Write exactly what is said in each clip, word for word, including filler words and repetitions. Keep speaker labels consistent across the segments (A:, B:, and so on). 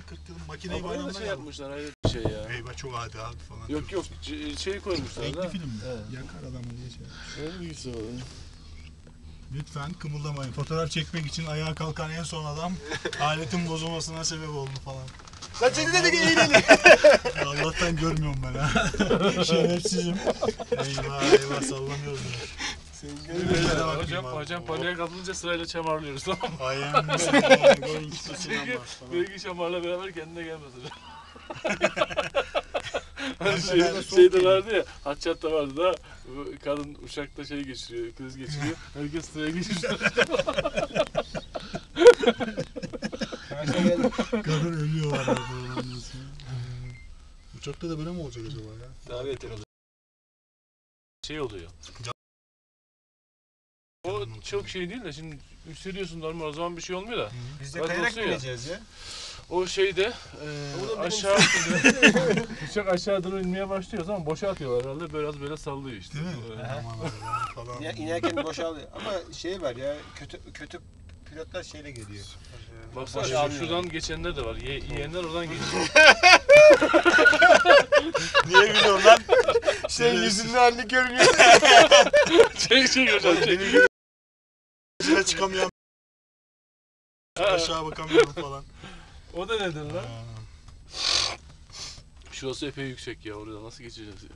A: kırk yılın makineyi
B: bayramda
A: bayramda
B: şey
A: yapmış.
B: yapmışlar, hayret bir şey ya.
A: Eyvah çok adi abi falan.
B: Yok yok şey koymuşlar
A: renkli
B: da.
A: film mi?
B: Evet.
A: Yakar adamı diye şey.
B: Öyle bir güzel oluyor.
A: Lütfen kımıldamayın. Fotoğraf çekmek için ayağa kalkan en son adam aletin bozulmasına sebep oldu falan.
C: Lan seni dedik eğlenin.
A: Allah'tan görmüyorum ben ha. Şerefsizim. Eyvah eyvah sallanıyoruz.
B: Hocam, hocam, hocam paniğe kapılınca sırayla çamarlıyoruz, tamam mı?
A: I am going to
B: Çünkü belki şamarla beraber kendine gelmez hocam.
A: Ben
B: Hani şey,
A: de
B: şeyde vardı ya, Hatçat'ta vardı da kadın uçakta şey geçiriyor, kriz geçiriyor. Herkes sıraya geçiriyor.
A: kadın ölüyor arada. Uçakta da böyle mi olacak acaba ya?
C: Daha beter olur.
B: Şey oluyor. O çok şey değil de şimdi yükseliyorsun normal, o zaman bir şey olmuyor da.
C: Biz de
B: Bak
C: kayarak
B: olsun ya.
C: bineceğiz ya.
B: O şeyde e, aşağı uçak aşağı doğru inmeye başlıyor, ama boşa atıyorlar herhalde, biraz böyle sallıyor işte.
A: Değil mi?
B: Evet.
A: Aman Allah'ım falan.
C: İner, inerken boşalıyor. Ama şey var ya, kötü kötü pilotlar şeyle geliyor.
B: Baksana
C: Boşa
B: şu, şuradan geçenler de var. Ye, yiyenler oradan geçiyor.
C: Niye gülüyorsun lan? Senin yüzünün halini görmüyor.
B: Şey şey hocam şey.
A: Yüzüne çıkamıyorum. Aşağı bakamıyorum falan.
B: O da neden lan?
A: Ha.
B: Şurası epey yüksek ya, orada nasıl geçeceğiz ya?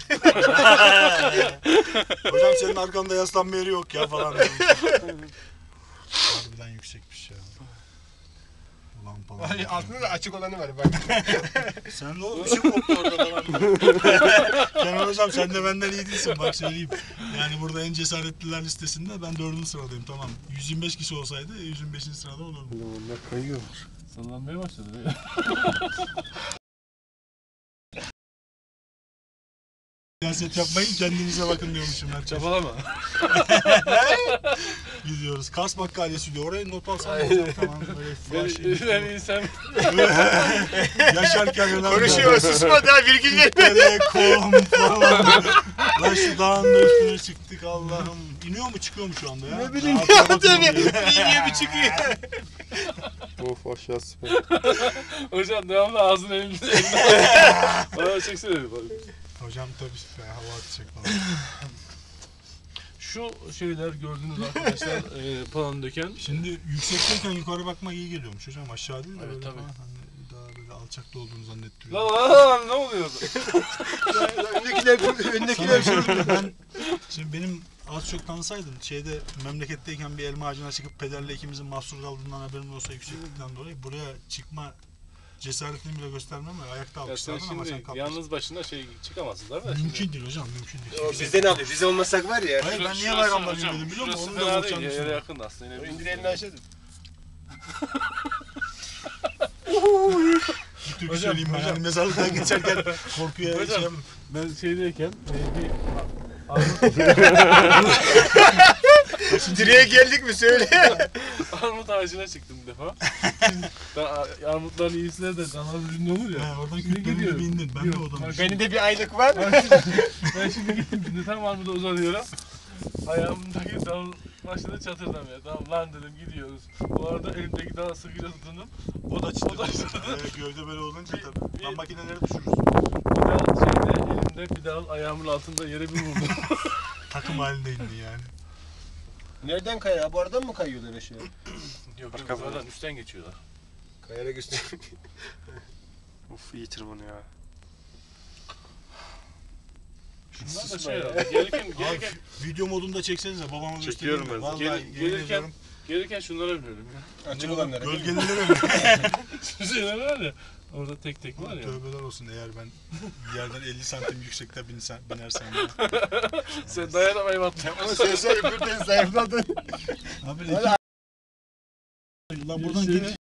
A: Hocam senin arkanda yaslanma yeri yok ya falan. Harbiden yüksekmiş ya. Ulan falan.
C: Ay, altında da açık olanı var bak.
A: Sen de oğlum bir şey koptu orada falan. Kenan hocam sen de benden iyi değilsin bak söyleyeyim. Yani burada en cesaretliler listesinde ben dördüncü sıradayım, tamam. yüz yirmi beş kişi olsaydı yüz yirmi beşinci sırada olurdum.
B: Onlar kayıyormuş. Sallanmaya başladı ya.
A: Siyaset yapmayın, kendinize bakın diyormuşum her
B: Çabalama.
A: Gidiyoruz. Kas bakkalesi diyor. Oraya not alsam hocam falan böyle flash.
B: Ben insan.
A: Yaşarken önemli.
C: Konuşuyor, susma daha virgül verme.
A: Telekom falan. Lan şu dağın da üstüne çıktık Allah'ım. İniyor mu çıkıyor mu şu anda ya?
C: Ne bileyim
A: Rahatına
C: ya
A: bakın
C: tabii.
A: diyor.
C: İniyor bir çıkıyor.
D: Of aşağı süper.
B: Hocam devamlı ağzını elinde. Bana çeksene.
A: Hocam tabii hava atacak falan.
B: Şu şeyler gördüğünüz arkadaşlar e, falan döken.
A: Şimdi yüksekteyken yukarı bakmak iyi geliyormuş hocam. Aşağı değil de
B: Evet,
A: böyle
B: tabii.
A: falan. Hani daha böyle alçakta olduğunu zannettiriyor.
B: Lan lan lan ne oluyordu?
C: Öndekiler, öndekiler
A: Sana bir şey ben şimdi benim az çok tanısaydın şeyde memleketteyken bir elma ağacına çıkıp pederle ikimizin mahsur kaldığından haberim olsa yükseklikten dolayı buraya çıkma cesaretini bile göstermem ve ayakta
B: Ya sen
A: alkışlardım ama sen
B: şimdi
A: kalkmışsın.
B: yalnız başına şey çıkamazsın değil mi?
A: Mümkün değil hocam, mümkün değil.
C: O bizde ne yapıyor? Biz olmasak var ya.
A: Hayır ben
B: Şurası-
A: niye bayramda
B: hocam,
A: bilmedim biliyor musun?
B: şurası
A: Onu da
B: fena
A: bulacağım
B: değil ya, yere
A: düşünüyorum.
B: yakın aslında. Yine
C: İndir elini aşağı.
A: Bir türkü
B: Hocam,
A: söyleyeyim ben.
B: hocam.
A: Yani mezarlıktan geçerken korkuya
B: Hocam.
A: şey
B: Ben şeydeyken e, bir
C: Direğe geldik mi söyle.
B: armut ağacına çıktım bir defa. Ben a- armutların iyisine de kanal ürünü olur ya.
A: He, oradan
B: Şimdi
A: kütlenin
B: gidiyorum.
A: bir indin. Ben de
B: Yok,
A: odan.
B: bak,
C: Benim de bir aylık var.
B: Ben şimdi gittim, şimdi tam armuda uzanıyorum. Ayağımdaki dal başladı çatırdamaya. Tamam lan dedim, gidiyoruz. Bu arada elimdeki dalı sıkıca tutundum. O da çıtırdı.
A: Ee, gövde böyle olunca
B: Bir-
A: tabii.
B: bir-
A: Lan makineleri düşürürsün.
B: Bir dal şeyde elimde, bir dal ayağımın altında yere bir vurdum.
A: Takım halinde indi yani.
C: Nereden kayar? Bu aradan mı kayıyorlar aşağı?
B: Yok yok, zaten üstten geçiyorlar.
C: Kayarak üstüne.
D: Of iyi tırmanıyor ya.
B: Şunlar da
C: Susma
B: şey
C: ya.
B: herhalde. Gelirken, gelirken,
A: Abi video modunda çeksenize babama
D: Çekiyorum
A: göstereyim.
D: ben.
A: Vallahi
B: Gel-
A: yemin
B: gelirken-
A: ediyorum,
B: gelirken şunlara biniyorum ya.
C: Açık olanlara.
A: Gölgelilere mi?
B: Şu şeyler var ya. Orada tek tek var ya.
A: Tövbeler olsun eğer ben yerden elli santim yüksekte binsen, binersem ya.
B: Sen dayanamayı battın.
C: Ama sen söyle birden zayıfladın.
A: Abi
C: Hadi.
A: iki... Lan buradan
B: Şey-
A: tek...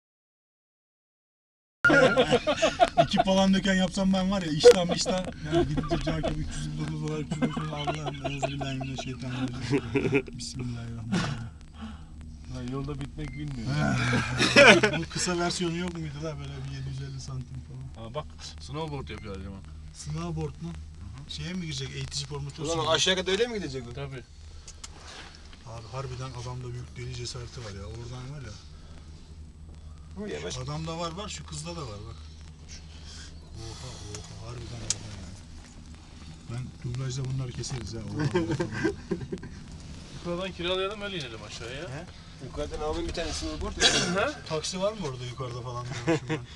A: İki falan döken yapsam ben var ya iştahım iştah. Yani gidince cakip üç yüz yirmi dokuz dolar üç yüz dokuz dolar Allah'ım euzubillahimineşşeytanirracim. Bismillahirrahmanirrahim.
B: Lan yolda bitmek bilmiyor.
A: Bu kısa versiyonu yok muydu la böyle bir yedi yüz elli santim falan.
B: Ha bak, snowboard yapıyor Erceman.
A: Snowboard mu? Şeye mi girecek eğitici formatı?
C: Ulan aşağı kadar öyle mi gidecek o?
B: Tabii.
A: Abi harbiden adamda büyük deli cesareti var ya. Oradan var ya.
C: Bu yavaş.
A: Adamda var var, şu kızda da var bak. Oha oha, harbiden oha yani. Ben dublajda bunları keseriz ha. Oha, oha.
B: Yukarıdan kiralayalım öyle inelim aşağıya.
A: He?
C: Yukarıdan alalım bir tane snowboard.
A: Taksi var mı orada yukarıda falan diyormuşum ben.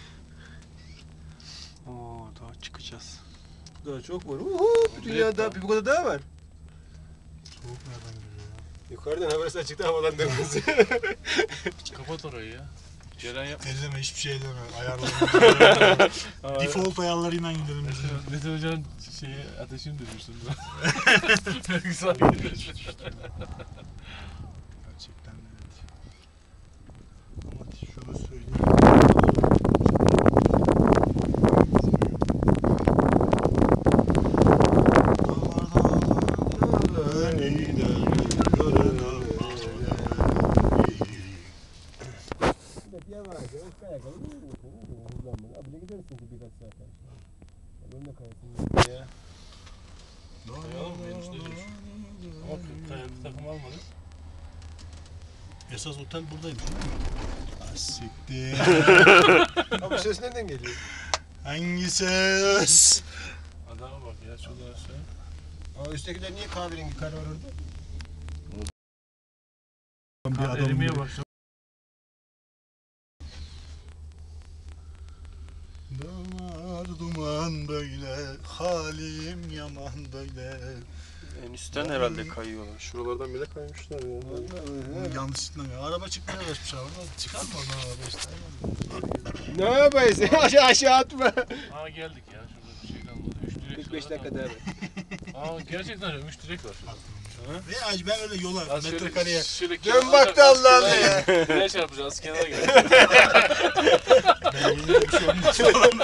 D: Oo daha çıkacağız.
C: Daha çok var. Uhu, dünyada bir bu kadar daha var.
A: Soğuk nereden geliyor ya?
C: Yukarıdan havası açıkta havalandırmamız.
B: Kapat orayı ya. Ceren yap.
A: Elleme, hiçbir şey elleme. Ayarlarını.
B: Aa,
A: Default ayarlarıyla gidelim biz.
B: Mesela Mete Hoca'nın şeyi ateşini düşürsün. Belki sakin.
A: Gerçekten evet. Ama şunu söyleyeyim.
C: Yavaş yavaş kaya kaya. Hızlanma. Abile gidersin ki birkaç saat. Ben de kayasın ya.
B: Kayalım mı enişte diyorsun? Ama kayaklı takım almadık.
A: Esas otel buradaymış değil mi? Ah siktir.
C: Abi ses nereden geliyor?
A: Hangi ses?
B: Adama bak ya şurada aşağı.
C: Aa üsttekiler niye kahverengi kar var orada?
A: Bir
B: Kar
A: adam
B: erimeye
A: gibi.
B: başladı.
A: Dağlar duman böyle, halim yaman böyle.
D: En üstten herhalde kayıyorlar. Şuralardan bile kaymışlar ya.
A: Oğlum yanlışlıkla ya. Araba çıkmaya uğraşmış abi. Çıkar mı oradan araba işte?
C: Ne yapayız? aşağı aşağı atma.
B: Aa geldik ya şurada bir şey kalmadı. Üç direk
C: kırk beş
B: sonra
C: dakika
B: kaldı.
C: daha var.
B: Aa gerçekten öyle. Üç direk var şurada.
A: Ya ben öyle yola,
B: Az şöyle-
A: metrekareye.
B: şöyle
C: Dön
B: kenara-
C: bak da Allah'ına ya.
B: Nereye çarpacağız? Kenara gel.
A: Ben yine bir şey olmaz falan.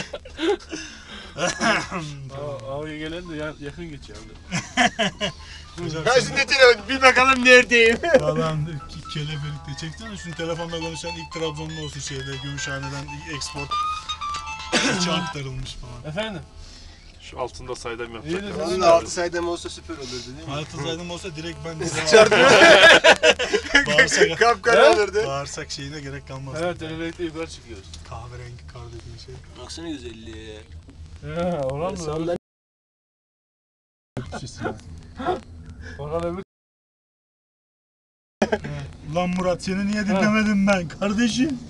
B: Aa, Ağaya gelen de ya- yakın geçiyor abi.
A: Hocam
C: Ha
A: sen
C: şimdi telefon bir bakalım neredeyim.
A: falan kelebelikte çeksene şunu telefonla konuşan ilk Trabzonlu olsun şeyde Gümüşhane'den export içi aktarılmış falan.
B: Efendim?
D: Şu altında saydam
B: İyi
D: yapacak.
B: de-
C: Vallahi altı saydım olsa süper olurdu değil mi?
A: Hayatı zaydım olsa direkt ben size
C: Çarpıyor.
A: bağırsak,
C: Kapkara olurdu.
A: bağırsak şeyine gerek kalmaz.
B: Evet, teleferikte yukarı çıkıyoruz.
A: Kahverengi kar dediğin şey.
C: Baksana güzelliğe.
B: Ya, oran mı?
C: Sallan.
B: Oran öbür.
A: Lan Murat seni niye dinlemedim ben kardeşim?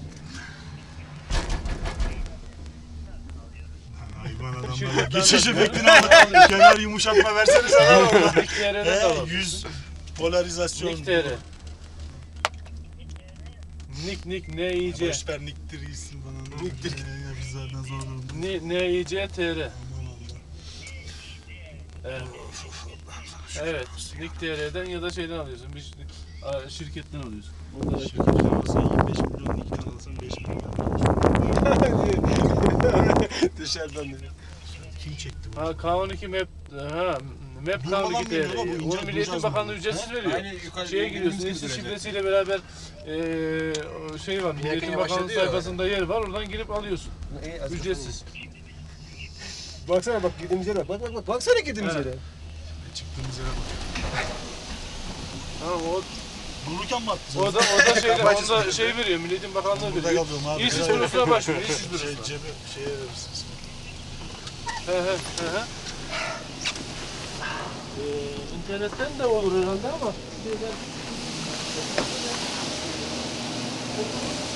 A: Hayvan adamlar. Geçiş efektini aldık. Kenar yumuşatma versene sana orada.
B: Nick T R'de de
A: He,
B: alalım.
A: yüz polarizasyon.
B: Nick T R. Nick Nick N I C.
A: Boşver Nick'tir iyisin bana.
C: Nick'tir.
A: Ya biz zaten zor durumda.
B: N N I C T R.
A: Aman Allah.
B: Evet. Evet. Nick T R'den ya da şeyden alıyorsun. Bir a, şirketten alıyorsun. Orada
A: Şirketten alırsan yirmi beş milyon, Nick'ten alırsan beş milyon.
C: Dışarıdan dedi.
A: Kim çekti bu?
B: Ha K on iki Map ha Map K on
A: Durmadan
B: iki
A: mı geliyor
B: T R.
A: lan bu? İnce
B: Onu Milli Eğitim
A: duracağız
B: Bakanlığı
A: mı?
B: ücretsiz
A: He?
B: veriyor.
C: Aynı yukarı
B: Şeye giriyorsun,
C: elimiz
B: eski
C: duracak.
B: şifresiyle beraber eee o şey var, Milli
C: Yakın
B: Eğitim
C: başladı
B: Bakanlığı
C: ya.
B: sayfasında yer var, oradan girip alıyorsun.
C: İyi, az
B: Ücretsiz.
C: Baksana bak girdiğimiz yere bak. Bak bak bak. Baksana girdiğimiz
B: Evet.
C: yere.
A: Çıktığımız yere bak.
B: Ha o
A: Dururken mi attı?
B: o da o da şeyler, onda şey veriyor, Milli Eğitim Bakanlığı
A: Burada
B: veriyor.
A: kalıyorum abi.
B: İşsiz
A: Böyle-
B: bürosuna başvur, işsiz
A: Şey,
B: bürosuna.
A: cebe, şeye verirsiniz.
B: He he he he. Ee, internetten de olur herhalde ama şeyler...